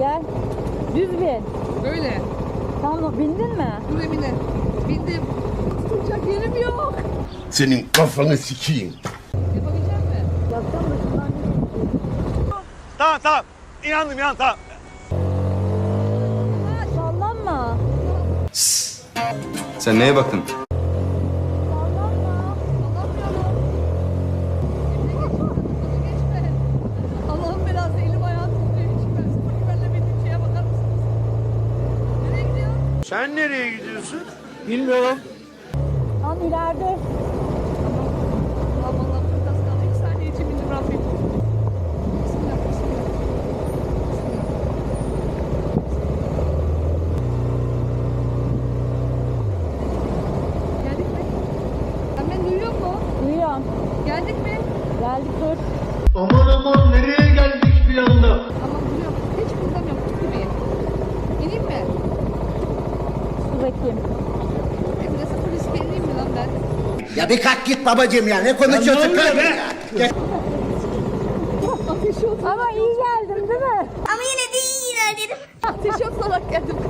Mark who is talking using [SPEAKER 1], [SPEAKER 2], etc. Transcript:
[SPEAKER 1] Gel. Düz bin.
[SPEAKER 2] Böyle.
[SPEAKER 1] Tamam, bindin mi?
[SPEAKER 2] Dur Emine. Bindim. Tutacak yerim yok.
[SPEAKER 3] Senin kafanı sikeyim.
[SPEAKER 2] Yapabilecek misin?
[SPEAKER 1] Yapacağım da şundan
[SPEAKER 4] Tamam. İnandım tamam.
[SPEAKER 1] sallanma.
[SPEAKER 5] Sen neye baktın?
[SPEAKER 1] Sallanma.
[SPEAKER 2] Anlamıyorum. Emine geçme. Allah'ın belası elim ayağım tutuyor. Hiç ben sıfır güvenle bildiğim şeye bakar mısınız? Nereye gidiyorsun?
[SPEAKER 4] Sen nereye gidiyorsun? Bilmiyorum.
[SPEAKER 1] Tam ileride.
[SPEAKER 2] Allah'ım çok az kaldı. 2 saniye için bindim Rabbim. Bismillah. Geldik mi? Sen beni duyuyor musun?
[SPEAKER 1] Duyuyorum.
[SPEAKER 2] Geldik mi?
[SPEAKER 1] Geldik, dur.
[SPEAKER 3] Aman nereye geldik bir anda?
[SPEAKER 2] Tamam duyuyorum. Hiç kızamıyorum. Tut gibiyim. İneyim mi?
[SPEAKER 1] Dur bakayım.
[SPEAKER 2] Emre sıfır riske ineyim mi lan ben?
[SPEAKER 6] Ya bir kalk git babacığım ya. Ne konuşuyorsun kardeşim ya? Gel.
[SPEAKER 2] Ateş yok.
[SPEAKER 1] Ama iyi geldim değil mi?
[SPEAKER 7] Ama yine de iyi ilerledim.
[SPEAKER 2] Ateş yok olarak geldim.